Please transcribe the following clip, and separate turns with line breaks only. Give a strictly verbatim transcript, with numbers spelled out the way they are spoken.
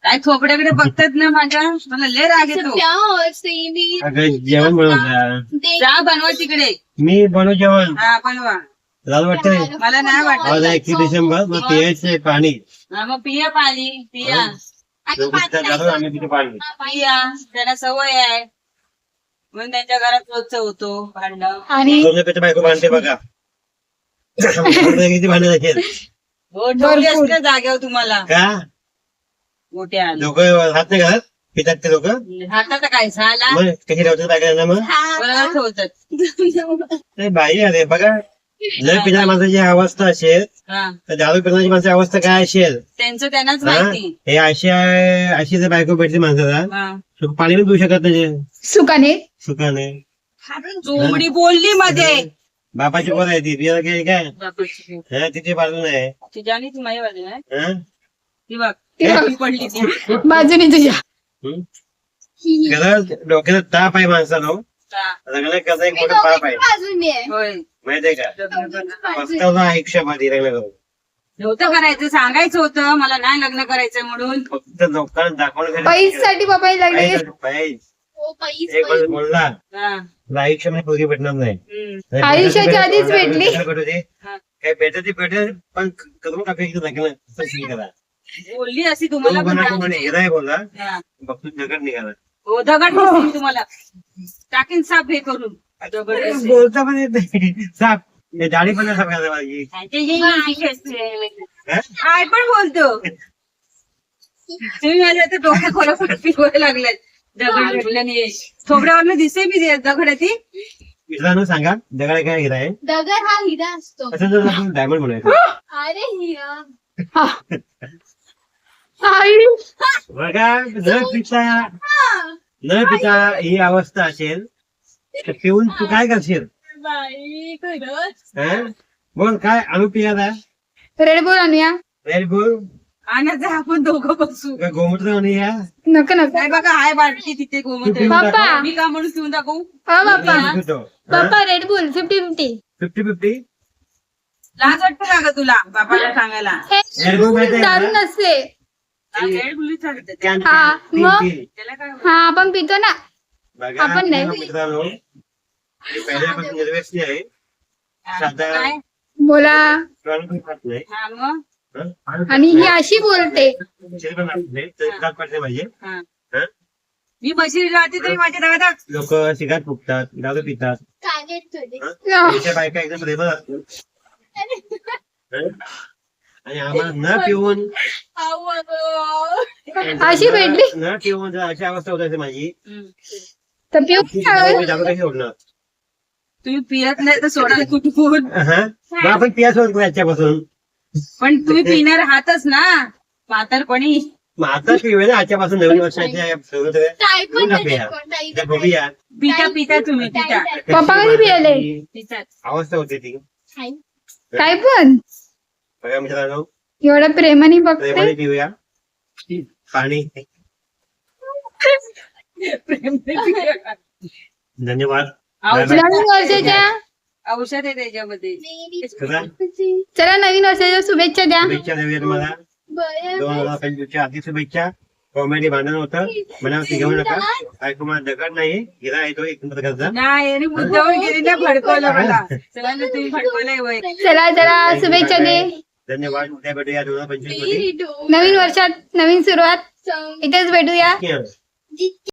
काय थोपड्याकडे बघतात ना माझ्या, मला लय राग येतो.
अगं जेवण बनवता.
चहा बनवा तिकडे.
मी बनवू जेवण.
हा बनवा.
लाल वाटतंय.
मला नाही
आज
वाटत.
एकतीस डिसेंबर मग पियायचे पाणी.
हा, मग पिया पाणी पिया
आम्ही तिथे पाणी.
पिया त्यांना सवय आहे म्हणून त्यांच्या घरात रोजच होतो भांडण.
आणि
तुमच्या बायको भांडते बघा. किती भांडत असेल.
हो ठेवली असते जागेवर तुम्हाला.
का
मोठ्या
लोक हात नाही घालत पितात ते लोक.
हातात काय झाला
मग कशी ठेवतात बायकांना मग
बरोबर ठेवतात.
ते बाई अरे बघा जर पिणाऱ्या माणसाची अवस्था असेल
हा
तर दारू पिण्याची माणसाची अवस्था काय असेल.
त्यांचं त्यांनाच
हा?
माहिती.
हे अशी आहे- अशी जर बायको भेटली माणसाला
हा.
सुख पाणी पण पिऊ शकत नाही
सुखाने
सुखाने.
चोमडी बोलली मध्ये.
बापाची पोर आहे ती पियाला काय काय
बापाची.
हा, तिची बाजू नाही.
तुझ्या आणि ती माझ्या बाजूला आहे.
हा?
ती बघ
ती बघ.
ती पडली ती.
बाजूने तुझ्या
हं? खरंच डोक्याला ताप आहे माणसाला.
हा.
लग्न कसं एक मोठं पाप आहे
होय
माहितीये का. पस्तावला आयुष्यामध्ये लग्न करून
नव्हतं करायचं सांगायचं होतं मला नाही लग्न करायचं म्हणून.
फक्त लोकांना दाखवण्यासाठी
पैशासाठी बाबा लागले.
पैसा- पैसा. एक वेळेस बोलला
हा.
तुला आयुष्यामध्ये पोरी भेटणार नाही.
हम्म.
आयुष्याच्या आधीच भेटली.
भेटू दे.
हा.
काय भेटत ती भेटेल पण करून टाकायचं लग्न असं feel करा.
बोलली अशी
तो
तुम्हाला पण
म्हणा, तो म्हणे,
सांगते.
हिरा आहे बोलला
हा.
बघतो दगड निघाला.
हो दगड दिसतील तुम्हाला टाकीन साप हे करून दगड दिसतील.
बोलता पण येत नाही. साप हे दाढी पण नाही साप घालायला माझी.
ते हे माहिती असते.
हा?
काय पण बोलतो तुम्ही माझ्या आता डोक्या खोला खोला फिरवायला लागलाय. दगड भेटल्याने थोबड्यावर दिसे मी ते दगड आहे ती.
मित्रांनो सांगा दगड काय हिरा आहे.
दगड हा हिरा असतो.
असं जर आपण डायमंड म्हणायचं.
अरे हिरा
आई
बघा न पिता न पिता ही अवस्था असेल तर पिऊन तू काय करशील.
बाई खरंच.
हा? बोल काय आणू पियाला
रेड बुल आणूया.
रेड बुल
आणि आपण दोघं बसू.
का गोमूत्र आणूया.
नको नको
काय बघा हाय बाटली तिथे गोमूत्र.
बाप्पा.
मी का म्हणून पिऊन दाखवू.
हा Bappa
fifty
Bappa Red Bull fifty fifty
fifty
लाज वाटतं का ग तुला बापाला सांगायला.
रेड बुल माहिती आहे
दारू
का?
नसते.
रेड बुली चालते
कॅन-
हा,
तीन-
मग?
तीन.
त्याला काय
हा आपण पितो ना.
बघा
आपण नाही.
मित्रांनो हे पहिल्यापासून निर्व्यसनी आहे. साधा
काय
बोला.
प्राण पण खात नाही.
हा मग
हं?
आणि ही अशी बोलते.
शरीर पण खात नाही. तर दात पडते माझे.
हा.
हं?
मी बशी राहते तरी माझ्या दादात
लोक सिगारेट फुकतात दारू पितात.
कागद थोडे.
हं? त्यांच्या बायका एकदम रेबल असतात. हं? आणि आम्हाला न पिऊन
अशी भेटली
न पिऊन जर अशी अवस्था होत असेल माझी
तर पिऊ
मी दारू कशी सोडणार.
तुम्ही पियत नाही तर सोडाल कुठून.
हं? मग आपण पिया सोडतो याच्यापासून.
पण तुम्ही पिणार आहातच ना म्हातारपणी.
मग आता पिऊया ना आजच्यापासून नवीन वर्षाच्या सुरुवात आहे.
काय पण
पिऊन
नाही
टाकूया.
कोणताही
त्या बघूया.
पिता पिता तुम्ही पिता
पप्पा कधी पियाले.
पितात.
अवस्था होती ती.
काय पण
बघा मित्रांनो
एवढं प्रेमाने बघते.
प्रेमाने पिऊया पाणी. धन्यवाद.
औषध
नवीन वर्षाच्या
औषध आहे त्याच्यामध्ये.
चला,
चला नवीन वर्षाच्या शुभेच्छा द्या.
शुभेच्छा देऊया तुम्हाला. दोन हजार पंचवीसच्या आधी शुभेच्छा. कॉमेडी भांडण होतं मला घेऊ नका. काय तुम्हाला दगड नाही हिरा येतो एक प्रकारचा.
नाही आणि मुद्दावर गेली ना भडकवलं मला. चला ना तुम्ही भडकवलंय वय.
चला चला शुभेच्छा दे.
धन्यवाद. उद्या भेटूया दोन हजार पंचवीस मध्ये.
नवीन वर्षात नवीन सुरुवात इथेच भेटूया.
Yeah.